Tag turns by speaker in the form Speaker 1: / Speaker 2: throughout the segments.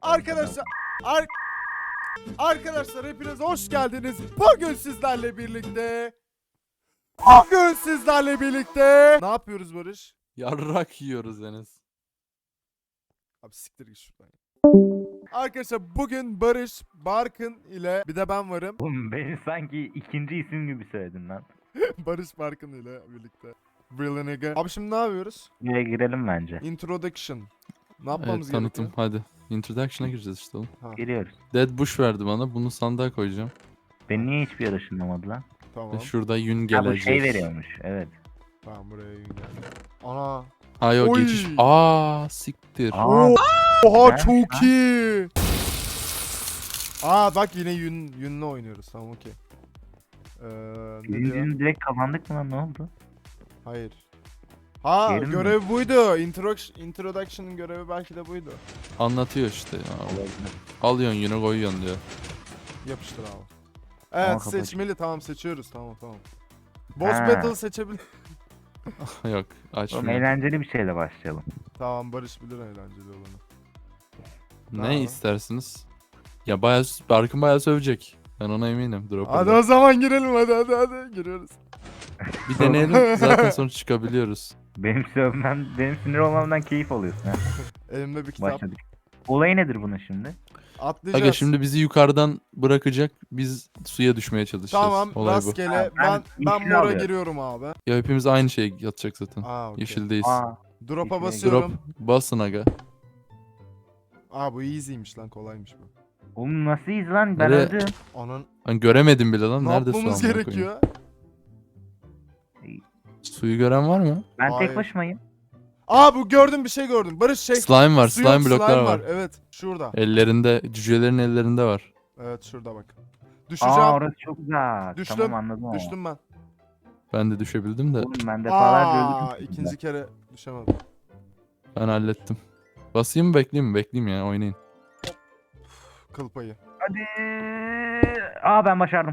Speaker 1: Arkadaşlar Arkadaşlar hepiniz hoş geldiniz. Bugün sizlerle birlikte ne yapıyoruz Barış?
Speaker 2: Yarrak yiyoruz Enes.
Speaker 1: Abi siktir git şuradan. Arkadaşlar bugün Barış, Barkın ile bir de ben varım.
Speaker 3: Oğlum beni sanki ikinci isim gibi söyledin lan.
Speaker 1: Barış Barkın ile birlikte. Real nigga. Abi şimdi ne yapıyoruz?
Speaker 3: Buraya girelim bence.
Speaker 1: Introduction. Ne
Speaker 2: Evet,
Speaker 1: yapmamız
Speaker 2: tanıtım
Speaker 1: gerekiyor?
Speaker 2: hadi. Introduction'a gireceğiz işte oğlum.
Speaker 3: Giriyoruz.
Speaker 2: Dead Bush verdi bana. Bunu sandığa koyacağım.
Speaker 3: Beni niye hiçbir yere ışınlamadı lan?
Speaker 1: Tamam.
Speaker 2: Ve şurada yün
Speaker 3: Ha bu
Speaker 2: gelecek.
Speaker 3: şey veriyormuş. Evet.
Speaker 1: Tamam buraya yün geldi. Ana.
Speaker 2: Ay o
Speaker 1: Oy.
Speaker 2: geçiş. Aa siktir.
Speaker 3: Aa,
Speaker 1: Oha
Speaker 3: güzelmiş
Speaker 1: çok
Speaker 3: lan.
Speaker 1: iyi. Aa bak yine yünle oynuyoruz. Tamam okey. Ne diyor?
Speaker 3: birincinin direkt kazandık mı lan, ne oldu?
Speaker 1: Hayır. Ha
Speaker 3: Yerim mi?
Speaker 1: görev buydu. Introduction'ın görevi belki de buydu.
Speaker 2: Anlatıyor işte ya.
Speaker 3: Olabilir.
Speaker 2: Alıyorsun yünü koyuyorsun diyor.
Speaker 1: Yapıştır abi.
Speaker 3: Ama
Speaker 1: Evet
Speaker 3: kapat.
Speaker 1: seçmeli tamam seçiyoruz tamam. Boss
Speaker 3: Ha.
Speaker 1: battle seçebilir.
Speaker 2: Yok
Speaker 3: Oğlum
Speaker 2: açmıyor.
Speaker 3: eğlenceli bir şeyle başlayalım.
Speaker 1: Tamam Barış bilir eğlenceli olanı.
Speaker 2: Ne
Speaker 1: Aa.
Speaker 2: istersiniz? Ya bayağı Barkın bayağı sövecek. Ben ona eminim.
Speaker 1: Hadi
Speaker 2: Dropper'da.
Speaker 1: o zaman girelim hadi giriyoruz.
Speaker 2: Bir deneyelim zaten sonra çıkabiliyoruz.
Speaker 3: Benim sinir olmamdan keyif alıyorsun ha.
Speaker 1: Elimde bir kitap.
Speaker 3: Başladık. Olayı nedir bunun şimdi?
Speaker 1: Atlayacağız.
Speaker 2: Aga şimdi bizi yukarıdan bırakacak. Biz suya düşmeye çalışacağız.
Speaker 1: Tamam
Speaker 2: Olay bu.
Speaker 1: rastgele
Speaker 3: Ha,
Speaker 1: ben
Speaker 3: ben yeşil
Speaker 1: mora
Speaker 3: alıyorum.
Speaker 1: giriyorum abi.
Speaker 2: Ya hepimiz aynı şeye yatacak zaten.
Speaker 1: Aa okey.
Speaker 2: Yeşildeyiz.
Speaker 3: Aa,
Speaker 1: Drop'a
Speaker 3: Yeşile
Speaker 1: basıyorum.
Speaker 2: Drop basın aga.
Speaker 1: Aa bu easy'ymiş lan kolaymış bu.
Speaker 3: oğlum nasıl iz lan, ben
Speaker 2: Nereye?
Speaker 3: öldüm.
Speaker 1: Onun
Speaker 2: Hani göremedim bile lan.
Speaker 1: ne
Speaker 2: Nerede su
Speaker 1: yapmamız
Speaker 2: amına koyayım?
Speaker 1: gerekiyor?
Speaker 3: Suyu
Speaker 2: gören var mı?
Speaker 3: Ben
Speaker 1: Hayır.
Speaker 3: tek başımayım.
Speaker 1: Aa bu gördüm bir şey gördüm. Barış şey.
Speaker 2: Slime var.
Speaker 1: su yok,
Speaker 2: Slime bloklar var.
Speaker 1: Evet şurada.
Speaker 2: Ellerinde, cücelerin ellerinde var.
Speaker 1: Evet şurada bak. Düşeceğim.
Speaker 3: Aa orası çok güzel.
Speaker 1: Düştüm,
Speaker 3: Tamam anladım ama.
Speaker 1: Düştüm ben.
Speaker 2: Ben de düşebildim de
Speaker 3: Oğlum ben defalarca
Speaker 1: Aa
Speaker 3: öldüm.
Speaker 1: ikinci kere düşemedim.
Speaker 2: ben hallettim. Basayım mı bekleyeyim mi? Bekleyeyim ya oynayın.
Speaker 1: Kıl payı.
Speaker 3: Hadi. Aa ben başardım.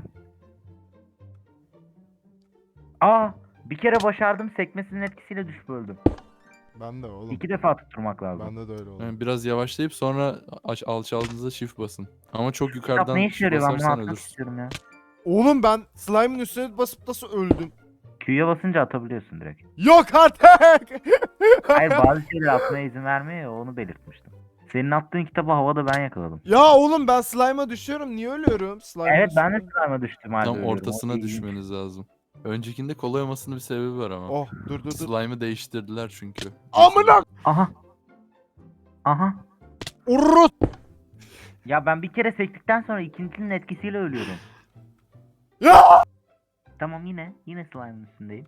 Speaker 3: Aa bir kere başardım, sekmesinin etkisiyle düşüp öldüm.
Speaker 1: Ben de oğlum.
Speaker 3: 2 defa tutturmak lazım.
Speaker 1: Bende de öyle oldu.
Speaker 2: Yani biraz yavaşlayıp sonra alçaldığınızda shift basın. Ama çok
Speaker 3: Kitap
Speaker 2: yukarıdan
Speaker 3: ne işe yarıyor, ben bunu
Speaker 2: basarsan
Speaker 3: atmak
Speaker 2: ölürsün.
Speaker 3: istiyorum ya.
Speaker 1: Oğlum ben slime'ın üstüne basıp nasıl öldüm?
Speaker 3: Q'ya basınca atabiliyorsun direkt.
Speaker 1: Yok artık.
Speaker 3: Hayır bazı şeyleri atmaya izin vermiyor ya, onu belirtmiştim. Senin attığın kitabı havada ben yakaladım.
Speaker 1: Ya oğlum ben slime'a düşüyorum. Niye ölüyorum? Slime'a
Speaker 3: Evet ben de
Speaker 1: düşüyorum.
Speaker 3: slime'a düştüm halde
Speaker 2: Tam
Speaker 3: ölüyorum.
Speaker 2: ortasına
Speaker 3: O ilginç.
Speaker 2: düşmeniz lazım. Öncekinde kolay olmasının bir sebebi var ama.
Speaker 1: Oh dur.
Speaker 2: Slime'ı değiştirdiler çünkü.
Speaker 1: Amına.
Speaker 3: Aha. Aha.
Speaker 1: Urut.
Speaker 3: Ya ben bir kere sektikten sonra ikincinin etkisiyle ölüyorum.
Speaker 1: Ya.
Speaker 3: Tamam yine slime'ın üstündeyim.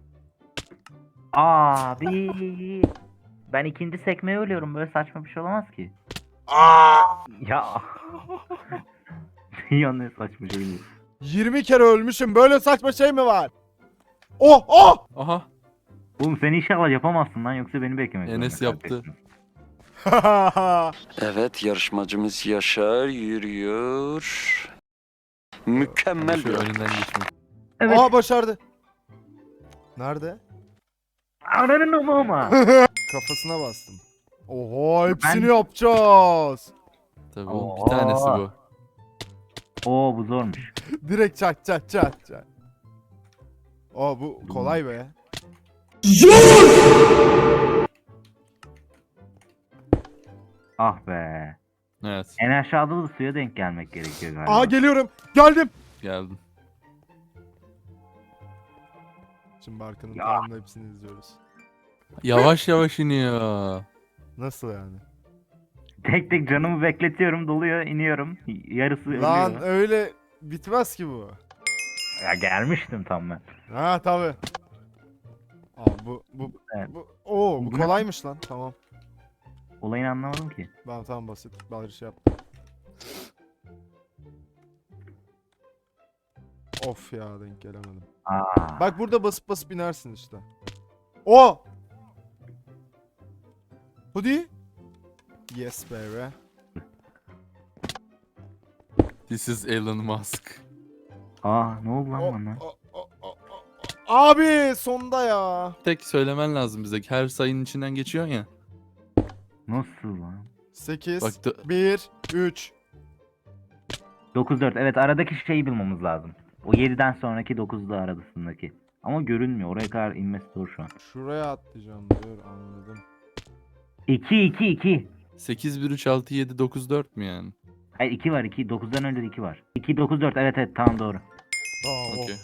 Speaker 3: Abi. Ben ikinci sekmeye ölüyorum, böyle saçma bir şey olamaz ki.
Speaker 1: Aa!
Speaker 3: Ya. Yanlış saçma şey değil.
Speaker 1: 20 kere ölmüşüm. Böyle saçma şey mi var? Oh!
Speaker 2: Aha.
Speaker 3: Oğlum sen inşallah yapamazsın lan, yoksa beni beklemek
Speaker 2: Enes
Speaker 3: zorunda
Speaker 2: yaptı.
Speaker 3: kalacaksın.
Speaker 4: Evet, yarışmacımız Yaşar yürüyor. Mükemmel
Speaker 2: Şu
Speaker 4: bir
Speaker 2: önünden geçmek.
Speaker 3: Evet.
Speaker 1: Aa başardı. Nerede?
Speaker 3: Ananın ama.
Speaker 1: Kafasına bastım. Oha hepsini
Speaker 3: Ben-
Speaker 1: yapacağız.
Speaker 2: Tabii oğlum, bir
Speaker 3: Oo.
Speaker 2: tanesi bu.
Speaker 3: Oo bu zormuş.
Speaker 1: Direkt çat. Oo bu kolay be.
Speaker 3: Ah be.
Speaker 2: Evet
Speaker 3: En aşağıda da suya denk gelmek gerekiyor galiba.
Speaker 1: Aa geliyorum. Geldim.
Speaker 2: geldim.
Speaker 1: Şimdi Barkın'ın
Speaker 3: Ya.
Speaker 1: tamamını hepsini izliyoruz.
Speaker 2: Yavaş yavaş iniyor.
Speaker 1: Nasıl yani?
Speaker 3: Tek tek canımı bekletiyorum, doluyor, iniyorum. Yarısı
Speaker 1: Lan
Speaker 3: ölüyor.
Speaker 1: öyle bitmez ki bu.
Speaker 3: Ya gelmiştim tam ben.
Speaker 1: Ha tabi. Aa bu
Speaker 3: Evet.
Speaker 1: bu
Speaker 3: Bu ne?
Speaker 1: kolaymış lan. Tamam.
Speaker 3: Olayını anlamadım ki.
Speaker 1: Tamam basit. Bari şey yaptım. Of ya denk gelemedim.
Speaker 3: Aa.
Speaker 1: Bak burada basıp inersin işte. O. Hadi. Yes baby.
Speaker 2: This is Elon Musk.
Speaker 3: Aa ne oldu lan
Speaker 1: O-
Speaker 3: bana?
Speaker 1: o- Abi sonda ya.
Speaker 2: Tek söylemen lazım bize. Her sayının içinden geçiyorsun ya.
Speaker 3: Nasıl lan?
Speaker 1: 8,
Speaker 2: Bak
Speaker 1: 1, 3.
Speaker 3: 9-4. Evet, aradaki şeyi bulmamız lazım. O 7'den sonraki 9'da arasındaki. Ama görünmüyor. Oraya kadar inmesi zor şu an.
Speaker 1: Şuraya atlayacağım diyor, anladım.
Speaker 3: 2-2-2.
Speaker 2: 8, 1, 3, 6, 7, 9, 4 mü yani?
Speaker 3: Hayır, 2 var. 2. 9'dan önce de 2 var. 2-9-4. Evet evet, tamam, doğru.
Speaker 1: Aa,
Speaker 2: Okey.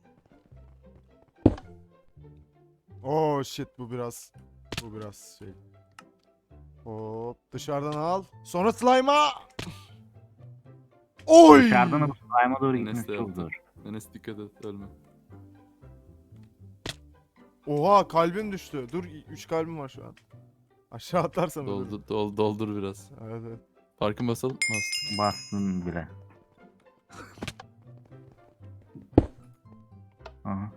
Speaker 1: Oh shit, bu biraz şey. Hop, dışarıdan al. Sonra slime'a. Oy!
Speaker 3: Dışarıdan alıp slime'a doğru
Speaker 2: Enes
Speaker 3: gitmesi
Speaker 2: de
Speaker 3: çok
Speaker 2: yaptı.
Speaker 3: zor.
Speaker 2: Enes dikkat et ölme.
Speaker 1: Oha, kalbim düştü. Dur, 3 kalbim var şu an. Aşağı atlarsam ölürüm.
Speaker 2: Doldur biraz.
Speaker 1: Evet, evet.
Speaker 2: Farkın basalım. Bastık.
Speaker 3: Bastın bile. Aha.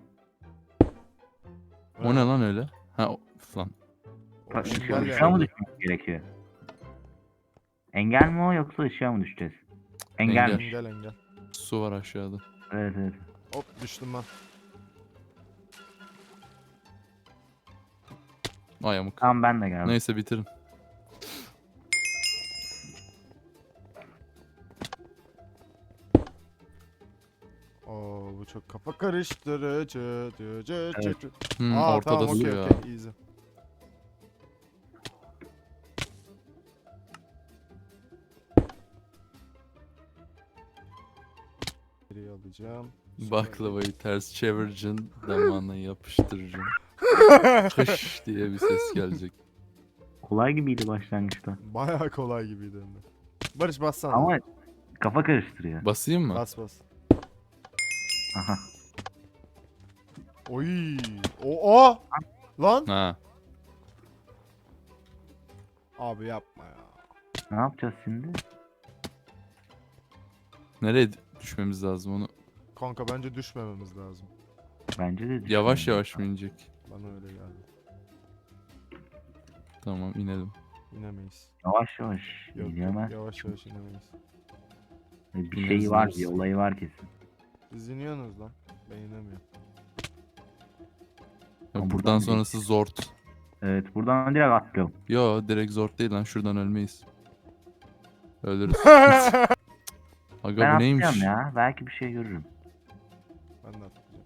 Speaker 2: O ne lan öyle? Ha lan.
Speaker 1: O engel
Speaker 3: Işığa
Speaker 1: yani.
Speaker 3: mı düşmemiz gerekiyor? Engel mi o, yoksa ışığa mı düşeceğiz? Engelmiş.
Speaker 1: Engel.
Speaker 2: Su var aşağıda.
Speaker 3: Evet evet.
Speaker 1: Hop, düştüm ben.
Speaker 2: Ay amık.
Speaker 3: Tamam, ben de geldim.
Speaker 2: Neyse bitirin.
Speaker 1: Oo, bu çok kafa karıştırıcı.
Speaker 3: Evet.
Speaker 1: Aa,
Speaker 2: Ortada
Speaker 1: tamam,
Speaker 2: su
Speaker 1: okey
Speaker 2: ya.
Speaker 1: okey, easy. Geriye alacağım.
Speaker 2: Baklavayı ters çevireceksin. Damağına yapıştıracaksın. Kış diye bir ses gelecek.
Speaker 3: Kolay gibiydi başlangıçta.
Speaker 1: Bayağı kolay gibiydi hem de. Barış, bassana.
Speaker 3: Ama kafa karıştırıyor.
Speaker 2: Basayım mı?
Speaker 1: Bas.
Speaker 3: Aha.
Speaker 1: Oy. O. Lan.
Speaker 2: Ha.
Speaker 1: Abi yapma ya.
Speaker 3: Ne yapacağız şimdi?
Speaker 2: Nereye düşmemiz lazım onu?
Speaker 1: Kanka, bence düşmememiz lazım.
Speaker 3: Bence de
Speaker 2: Yavaş
Speaker 3: düşünüyorum.
Speaker 2: yavaş mı inecek?
Speaker 1: Bana öyle geldi.
Speaker 2: Tamam inelim.
Speaker 1: İnemeyiz.
Speaker 3: Yavaş yavaş.
Speaker 1: Yok,
Speaker 3: İnemez.
Speaker 1: yavaş yavaş inemeyiz.
Speaker 3: Bir
Speaker 2: İneriz,
Speaker 3: şeyi var,
Speaker 2: ineriz.
Speaker 3: bir olayı var kesin.
Speaker 1: Siz iniyorsunuz lan. Ben inemiyorum.
Speaker 2: Ya
Speaker 3: Ama
Speaker 2: buradan
Speaker 3: buradan
Speaker 2: sonrası zort.
Speaker 3: Evet, buradan direkt atlıyorum.
Speaker 2: Yo direkt zort değil lan, şuradan ölmeyiz. Ölürüz. Aga
Speaker 3: Ben
Speaker 2: bu neymiş?
Speaker 3: atlayacağım ya. Belki bir şey görürüm.
Speaker 1: Ben de atlayacağım.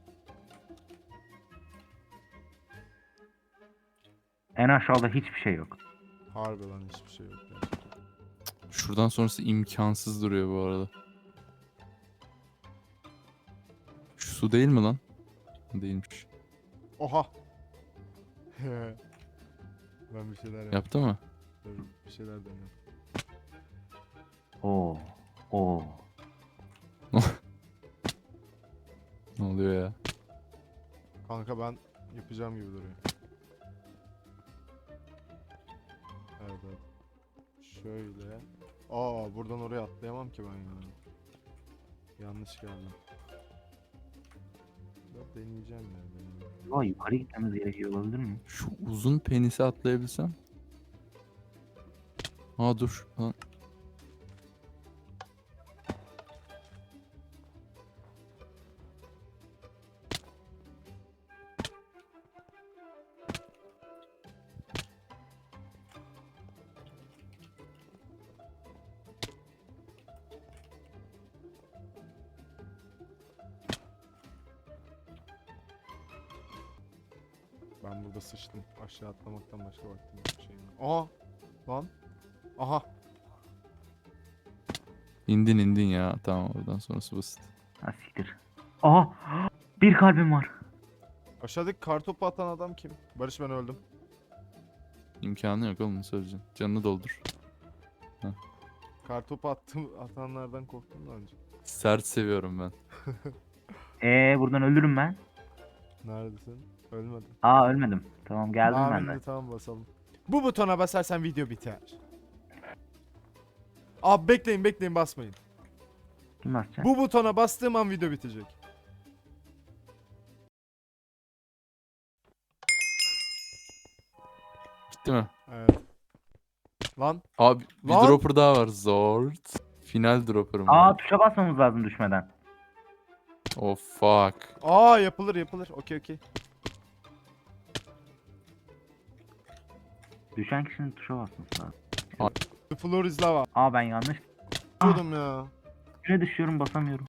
Speaker 3: En aşağıda hiçbir şey yok.
Speaker 1: Harbi lan, hiçbir şey yok yani.
Speaker 2: Şuradan sonrası imkansız duruyor bu arada. Şu su değil mi lan? Değilmiş.
Speaker 1: Oha. Ben bir şeyler yaptım.
Speaker 2: Yaptı mı?
Speaker 1: Dur, bir şeyler deniyorum.
Speaker 3: Oo. Oo.
Speaker 2: Ne oluyor ya?
Speaker 1: Kanka, ben yapacağım gibi duruyor. Evet. Şöyle. Aa, buradan oraya atlayamam ki ben ya. Yanlış geldim. Ya, deneyeceğim ya.
Speaker 3: Vay, yukarı gitmemiz gerekiyor olabilir mi?
Speaker 2: Şu uzun penisi atlayabilsem. Aa dur. Lan.
Speaker 1: Ben burada sıçtım. Aşağı atlamaktan başka vaktim yok, bir şeyim yok. Aha! Lan! Aha!
Speaker 2: İndin ya. Tamam oradan sonrası basit.
Speaker 3: Ha siktir. Aha! Bir kalbim var.
Speaker 1: Aşağıdaki kartopu atan adam kim? Barış, ben öldüm.
Speaker 2: İmkanı yok oğlum, söyleyeceğim. Canını doldur.
Speaker 1: Kartopu atanlardan korktum da önce.
Speaker 2: Sert seviyorum ben.
Speaker 3: Buradan ölürüm ben.
Speaker 1: Neredesin? Ölmedim.
Speaker 3: Aa, ölmedim. Tamam, geldim ben
Speaker 1: Amin
Speaker 3: de.
Speaker 1: de, tamam, basalım. Bu butona basarsan video biter. Abi bekleyin, basmayın.
Speaker 3: Kim basacak?
Speaker 1: Bu butona bastığım an video bitecek.
Speaker 2: Gitti mi?
Speaker 1: Evet. Lan.
Speaker 2: Abi bir
Speaker 1: Lan!
Speaker 2: dropper daha var. Zort. Final dropper'ım
Speaker 3: Aa,
Speaker 2: var.
Speaker 3: tuşa basmamız lazım düşmeden.
Speaker 2: Oh fuck.
Speaker 1: Aa, yapılır. Okey.
Speaker 3: Düşen kişinin tuşa basması lazım.
Speaker 1: The floor is lava.
Speaker 3: Aa ben yanlış
Speaker 1: Diyordum ya.
Speaker 3: üstüne düşüyorum basamıyorum.